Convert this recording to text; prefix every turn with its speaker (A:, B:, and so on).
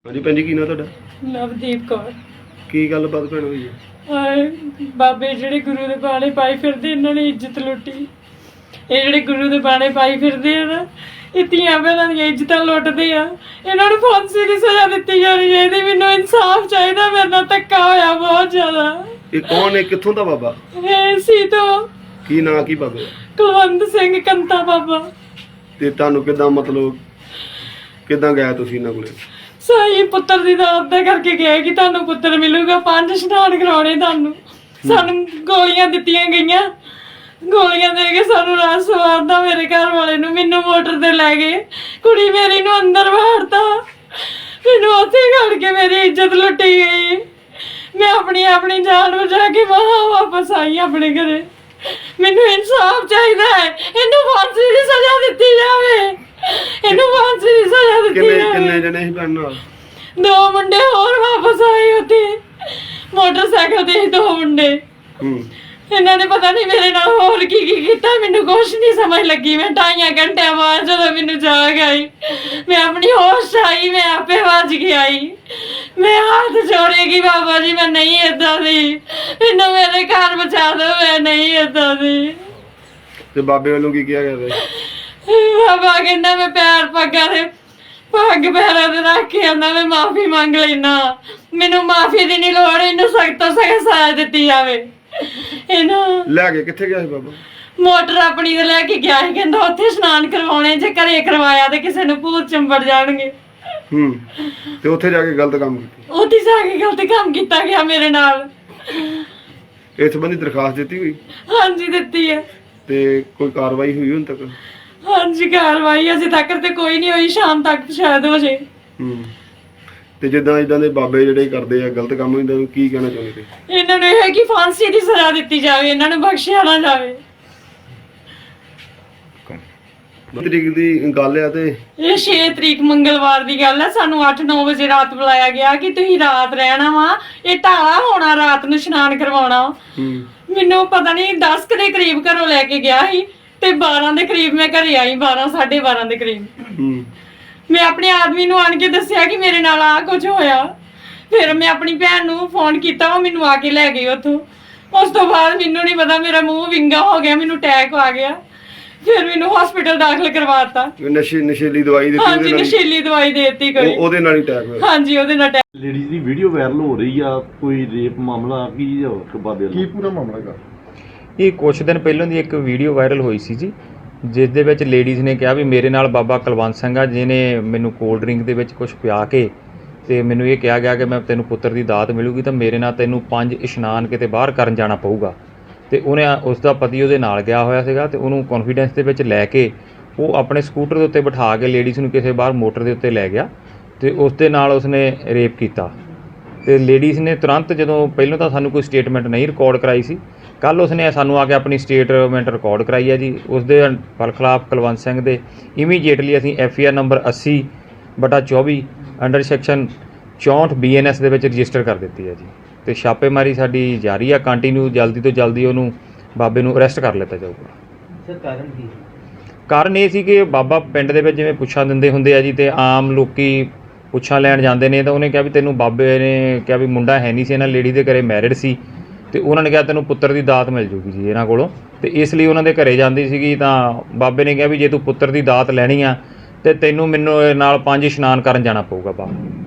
A: ਹਾਂਜੀ ਭੈਣ ਜੀ, ਕੀ ਨਾਂ ਤੁਹਾਡਾ?
B: ਨਵਦੀਪ ਕੌਰ।
A: ਕੀ ਗੱਲਬਾਤ ਭੈਣ ਹੋਈ ਹੈ?
B: ਬਾਬੇ ਜਿਹੜੇ ਗੁਰੂ ਦੇ ਬਾਣੇ ਪਾਈ ਫਿਰਦੇ, ਇਹਨਾਂ ਨੇ ਇੱਜ਼ਤ ਲੁੱਟੀ। ਇਹ ਜਿਹੜੇ ਗੁਰੂ ਦੇ ਬਾਣੇ ਪਾਈ ਫਿਰਦੇ ਆ ਨਾ, ਇਹ ਧੀਆਂ ਭੈਣਾਂ ਦੀਆਂ ਇੱਜ਼ਤਾਂ ਲੁੱਟਦੇ ਆ। ਇਹਨਾਂ ਨੂੰ ਫਾਂਸੀ ਦੀ ਸਜ਼ਾ ਦਿੱਤੀ ਜਾਣੀ ਚਾਹੀਦੀ। ਮੈਨੂੰ ਇਨਸਾਫ ਚਾਹੀਦਾ, ਮੇਰੇ ਨਾਲ ਧੱਕਾ ਹੋਇਆ ਬਹੁਤ ਜ਼ਿਆਦਾ।
A: ਇਹ ਕੌਣ ਹੈ, ਕਿੱਥੋਂ ਦਾ ਬਾਬਾ?
B: ਇਹ ਸੀ ਤੋਂ
A: ਕੀ ਨਾਂ ਕੀ ਬਾਬੇ?
B: ਕੁਲਵੰਤ ਸਿੰਘ ਕੰਤਾ ਬਾਬਾ।
A: ਤੇ ਤੁਹਾਨੂੰ ਕਿੱਦਾਂ, ਮਤਲਬ ਕਿੱਦਾਂ ਗਿਆ ਤੁਸੀਂ ਇਹਨਾਂ ਕੋਲੇ?
B: ਸਹੀ ਪੁੱਤਰ ਦੀ ਦਾਤ ਦਾ ਕਰਕੇ ਗਏ ਕਿ ਤੁਹਾਨੂੰ ਪੁੱਤਰ ਮਿਲੂਗਾ, 5 ਇਸ਼ਨਾਨ ਕਰਾਉਣੇ ਤੁਹਾਨੂੰ। ਸਾਨੂੰ ਗੋਲੀਆਂ ਦਿੱਤੀਆਂ ਗਈਆਂ, ਗੋਲੀਆਂ ਦੇ ਕੇ ਸਾਨੂੰ ਰਾਤ ਸਵਾਰਦਾ ਮੇਰੇ ਘਰ ਵਾਲੇ ਨੂੰ। ਮੈਨੂੰ ਮੋਟਰ ਤੇ ਲੈ ਗਏ, ਕੁੜੀ ਮੇਰੀ ਨੂੰ ਅੰਦਰ ਵਾੜਤਾ, ਮੈਨੂੰ ਉੱਥੇ ਖੜ ਕੇ ਮੇਰੀ ਇੱਜ਼ਤ ਲੁੱਟੀ ਗਈ। ਮੈਂ ਆਪਣੀ ਜਾਨ ਬਚਾ ਕੇ ਵਾਪਸ ਆਈ ਆਪਣੇ ਘਰੇ। ਮੈਨੂੰ ਇਨਸਾਫ ਚਾਹੀਦਾ ਹੈ, ਇਹਨੂੰ ਫਾਂਸੀ ਦੀ ਸਜ਼ਾ ਦਿੱਤੀ ਜਾਵੇ, ਇਹਨੂੰ ਫਾਂਸੀ ਦੀ ਸਜ਼ਾ ਦਿੱਤੀ ਜਾਵੇ।
A: ਕਿੰਨੇ ਜਣੇ ਸੀ ਭੈਣ ਨਾਲ?
B: 2 ਮੁੰਡੇ ਹੋਰ ਵਾਪਸ ਆਏ ਉੱਥੇ, ਮੋਟਰਸਾਈਕਲ ਤੇ 2 ਮੁੰਡੇ। ਇਹਨਾਂ ਨੇ ਪਤਾ ਨਹੀਂ ਮੇਰੇ ਨਾਲ ਹੋਰ ਕੀ ਕੀਤਾ, ਮੈਨੂੰ ਕੁਛ ਨਹੀਂ ਸਮਝ ਲੱਗੀ। ਮੈਂ 2.5 ਘੰਟੇ ਬਾਅਦ ਜਦੋਂ ਮੈਨੂੰ ਜਾਗ ਆਈ, ਮੈਂ ਆਪਣੀ ਹੋਸ਼ ਆਈ, ਮੈਂ ਆਪੇ ਵੱਜ ਕੇ ਆਈ। ਮੈਂ ਹੱਥ ਜੋੜੇਗੀ, ਬਾਬਾ ਜੀ ਮੈਂ ਨਹੀਂ ਏਦਾਂ ਦੀ, ਮੈਨੂੰ ਮੇਰੇ ਘਰ ਬਚਾ ਦਿਓ, ਮੈਂ ਨਹੀਂ ਏਦਾਂ ਦੀ।
A: ਤੇ ਬਾਬੇ ਵੱਲੋਂ ਕੀ ਕਿਹਾ ਗਿਆ?
B: ਬਾਬਾ ਕਹਿੰਦਾ ਮੈਂ ਪੈਰ ਪੱਗਾਂ ਦੇ ਪੱਗ ਪੈਰਾਂ ਤੇ ਰੱਖ ਕੇ ਆਉਂਦਾ, ਮੈਂ ਮਾਫੀ ਮੰਗ ਲੈਣਾ, ਮੈਨੂੰ ਮਾਫੀ ਦੀ ਨਹੀਂ ਲੋੜ, ਇਹਨੂੰ ਸਖਤ ਤੋਂ ਸਖਤ ਸਜ਼ਾ ਦਿੱਤੀ ਜਾਵੇ। ਇਹਨੂੰ
A: ਲੈ ਕੇ ਕਿੱਥੇ ਗਿਆ ਸੀ ਬਾਬਾ?
B: ਮੋਟਰ ਆਪਣੀ ਤੇ ਲੈ ਕੇ ਗਿਆ ਸੀ, ਕਹਿੰਦਾ ਉੱਥੇ ਇਸ਼ਨਾਨ ਕਰਵਾਉਣੇ, ਜੇ ਘਰੇ ਕਰਵਾਇਆ ਤੇ ਕਿਸੇ ਨੂੰ ਭੂਤ ਚੰਬੜ ਜਾਣਗੇ।
A: ਤੇ ਉੱਥੇ ਜਾ ਕੇ ਗਲਤ ਕੰਮ ਕੀਤਾ?
B: ਉੱਥੇ ਜਾ ਕੇ ਗਲਤ ਕੰਮ ਕੀਤਾ ਗਿਆ ਮੇਰੇ ਨਾਲ।
A: ਇਸ ਸੰਬੰਧੀ ਦਰਖਾਸਤ ਦਿੱਤੀ ਹੋਈ?
B: ਹਾਂਜੀ ਦਿੱਤੀ ਹੈ।
A: ਤੇ ਕੋਈ ਕਾਰਵਾਈ ਹੋਈ ਹੁਣ ਤੱਕ?
B: ਹਾਂਜੀ ਕਾਰਵਾਈ ਅਜੇ ਤੱਕ ਤੇ ਕੋਈ ਨਹੀਂ ਹੋਈ, ਸ਼ਾਮ ਤੱਕ ਸ਼ਾਇਦ ਹੋ ਜੇ।
A: ਤੇ ਜਿੱਦਾਂ ਇਦਾਂ ਦੇ ਬਾਬੇ ਜਿਹੜੇ ਕਰਦੇ ਆ ਗਲਤ ਕੰਮ, ਇਹਨਾਂ ਨੂੰ ਕੀ ਕਹਿਣਾ ਚਾਹੁੰਦੇ?
B: ਇਹਨਾਂ ਨੂੰ ਇਹ ਹੈ ਕਿ ਫਾਂਸੀ ਦੀ ਸਜ਼ਾ ਦਿੱਤੀ ਜਾਵੇ, ਇਹਨਾਂ ਨੂੰ ਬਖਸ਼ਿਆ ਨਾ ਜਾਵੇ।
A: ਤਰੀਕ ਦੀ ਗੱਲ ਆ ਤੇ
B: ਇਹ 6 ਤਰੀਕ ਮੰਗਲਵਾਰ ਦੀ ਗੱਲ ਹੈ। ਸਾਨੂੰ 8-9 ਵਜੇ ਰਾਤ ਬੁਲਾਇਆ ਗਿਆ ਕਿ ਤੁਸੀਂ ਰਾਤ ਰਹਿਣਾ ਵਾ, ਇਹ ਢਾਲਾ ਹੋਣਾ, ਰਾਤ ਨੂੰ ਇਸ਼ਨਾਨ ਕਰਵਾਉਣਾ। ਮੈਨੂੰ ਪਤਾ ਨਹੀਂ 10 ਦੇ ਕਰੀਬ ਘਰੋਂ ਲੈ ਕੇ ਗਿਆ ਸੀ ਤੇ 12 ਦੇ ਕਰੀਬ ਮੈਂ ਘਰੇ ਆਈ, 12-12:30 ਦੇ ਕਰੀਬ। ਮੈਂ ਆਪਣੇ ਆਦਮੀ ਨੂੰ ਆਣ ਕੇ ਦੱਸਿਆ ਕਿ ਮੇਰੇ ਨਾਲ ਆ ਕੁਝ ਹੋਇਆ। ਫਿਰ ਮੈਂ ਆਪਣੀ ਭੈਣ ਨੂੰ ਫੋਨ ਕੀਤਾ, ਉਹ ਮੈਨੂੰ ਆ ਕੇ ਲੈ ਗਈ ਉੱਥੋਂ। ਉਸ ਤੋਂ ਬਾਅਦ ਮੈਨੂੰ ਨਹੀਂ ਪਤਾ, ਮੇਰਾ ਮੂੰਹ ਵਿੰਗਾ ਹੋ ਗਿਆ, ਮੈਨੂੰ ਅਟੈਕ ਆ ਗਿਆ। ਫਿਰ ਮੈਨੂੰ ਹਸਪੀਟਲ ਦਾਖਲ ਕਰਵਾਤਾ।
A: ਨਸ਼ੀਲੀ ਦਵਾਈ ਦਿੱਤੀ?
B: ਹਾਂਜੀ ਨਸ਼ੀਲੀ ਦਵਾਈ ਦੇ ਦਿੱਤੀ ਕੋਈ,
A: ਉਹਦੇ ਨਾਲ ਹੀ ਅਟੈਕ ਹੋਇਆ?
B: ਹਾਂਜੀ ਉਹਦੇ ਨਾਲ ਅਟੈਕ।
C: ਲੇਡੀਜ਼ ਦੀ ਵੀਡੀਓ ਵਾਇਰਲ ਹੋ ਰਹੀ ਆ, ਕੋਈ ਰੇਪ ਮਾਮਲਾ ਕੀ ਬਾਬੇ
A: ਕੀ ਪੂਰਾ ਮਾਮਲਾ ਹੈਗਾ?
D: ਇਹ ਕੁਛ ਦਿਨ ਪਹਿਲਾਂ ਦੀ ਇੱਕ ਵੀਡੀਓ ਵਾਇਰਲ ਹੋਈ ਸੀ ਜੀ, ਜਿਸ ਦੇ ਵਿੱਚ ਲੇਡੀਜ਼ ਨੇ ਕਿਹਾ ਵੀ ਮੇਰੇ ਨਾਲ ਬਾਬਾ ਕੁਲਵੰਤ ਸਿੰਘ ਆ, ਜਿਹਨੇ ਮੈਨੂੰ ਕੋਲਡ ਡਰਿੰਕ ਦੇ ਵਿੱਚ ਕੁਝ ਪਿਆ ਕੇ ਤੇ ਮੈਨੂੰ ਇਹ ਕਿਹਾ ਗਿਆ ਕਿ ਮੈਂ ਤੈਨੂੰ ਪੁੱਤਰ ਦੀ ਦਾਤ ਮਿਲੂਗੀ ਤਾਂ ਮੇਰੇ ਨਾਲ ਤੈਨੂੰ 5 ਇਸ਼ਨਾਨ ਕਿਤੇ ਬਾਹਰ ਕਰਨ ਜਾਣਾ ਪਊਗਾ। ਤੇ ਉਹਨੇ, ਉਸ ਦਾ ਪਤੀ ਉਹਦੇ ਨਾਲ ਗਿਆ ਹੋਇਆ ਸੀਗਾ ਤੇ ਉਹਨੂੰ ਕੌਨਫੀਡੈਂਸ ਦੇ ਵਿੱਚ ਲੈ ਕੇ ਉਹ ਆਪਣੇ ਸਕੂਟਰ ਦੇ ਉੱਤੇ ਬਿਠਾ ਕੇ ਲੇਡੀਜ਼ ਨੂੰ ਕਿਸੇ ਬਾਹਰ ਮੋਟਰ ਦੇ ਉੱਤੇ ਲੈ ਗਿਆ ਤੇ ਉਸ ਦੇ ਨਾਲ ਉਸਨੇ ਰੇਪ ਕੀਤਾ। ਤੇ ਲੇਡੀਜ਼ ਨੇ ਤੁਰੰਤ, ਜਦੋਂ ਪਹਿਲਾਂ ਤਾਂ ਸਾਨੂੰ ਕੋਈ ਸਟੇਟਮੈਂਟ ਨਹੀਂ ਰਿਕਾਰਡ ਕਰਾਈ ਸੀ, ਕੱਲ੍ਹ ਉਸਨੇ ਸਾਨੂੰ ਆ ਕੇ ਆਪਣੀ ਸਟੇਟਮੈਂਟ ਰਿਕਾਰਡ ਕਰਾਈ ਹੈ ਜੀ। ਉਸ ਦੇ ਖਿਲਾਫ ਕੁਲਵੰਤ ਸਿੰਘ ਦੇ ਇਮੀਡੀਏਟਲੀ ਅਸੀਂ FIR ਨੰਬਰ 80/24 ਅੰਡਰ ਸੈਕਸ਼ਨ 64 BNS ਦੇ ਵਿੱਚ ਰਜਿਸਟਰ ਕਰ ਦਿੱਤੀ ਹੈ ਜੀ। ਤੇ ਛਾਪੇਮਾਰੀ ਸਾਡੀ ਜਾਰੀ ਆ ਕੰਟੀਨਿਊ, ਜਲਦੀ ਤੋਂ ਜਲਦੀ ਉਹਨੂੰ ਬਾਬੇ ਨੂੰ ਅਰੈਸਟ ਕਰ ਲਿੱਤਾ ਜਾਊਗਾ।
E: ਸਰ ਕਾਰਨ ਕੀ?
D: ਕਾਰਨ ਇਹ ਸੀ ਕਿ ਬਾਬਾ ਪਿੰਡ ਦੇ ਵਿੱਚ ਜਿਵੇਂ ਪੁੱਛਾਂ ਦਿੰਦੇ ਹੁੰਦੇ ਆ ਜੀ, ਤੇ ਆਮ ਲੋਕੀ ਪੁੱਛਾਂ ਲੈਣ ਜਾਂਦੇ ਨੇ, ਤਾਂ ਉਹਨੇ ਕਿਹਾ ਵੀ ਤੈਨੂੰ, ਬਾਬੇ ਨੇ ਕਿਹਾ ਵੀ ਮੁੰਡਾ ਹੈ ਨਹੀਂ ਸੀ, ਇਹਨਾਂ ਲੇਡੀ ਦੇ ਘਰੇ ਮੈਰਿਡ ਸੀ, ਤੇ ਉਹਨਾਂ ਨੇ ਕਿਹਾ ਤੈਨੂੰ ਪੁੱਤਰ ਦੀ ਦਾਤ ਮਿਲ ਜੂਗੀ ਜੀ ਇਹਨਾਂ ਕੋਲੋਂ। ਤੇ ਇਸ ਲਈ ਉਹਨਾਂ ਦੇ ਘਰੇ ਜਾਂਦੀ ਸੀਗੀ, ਤਾਂ ਬਾਬੇ ਨੇ ਕਿਹਾ ਵੀ ਜੇ ਤੂੰ ਪੁੱਤਰ ਦੀ ਦਾਤ ਲੈਣੀ ਆ ਤੇ ਤੈਨੂੰ ਮੈਨੂੰ ਨਾਲ 5 ਇਸ਼ਨਾਨ ਕਰਨ ਜਾਣਾ ਪਊਗਾ ਬਾਹਰ।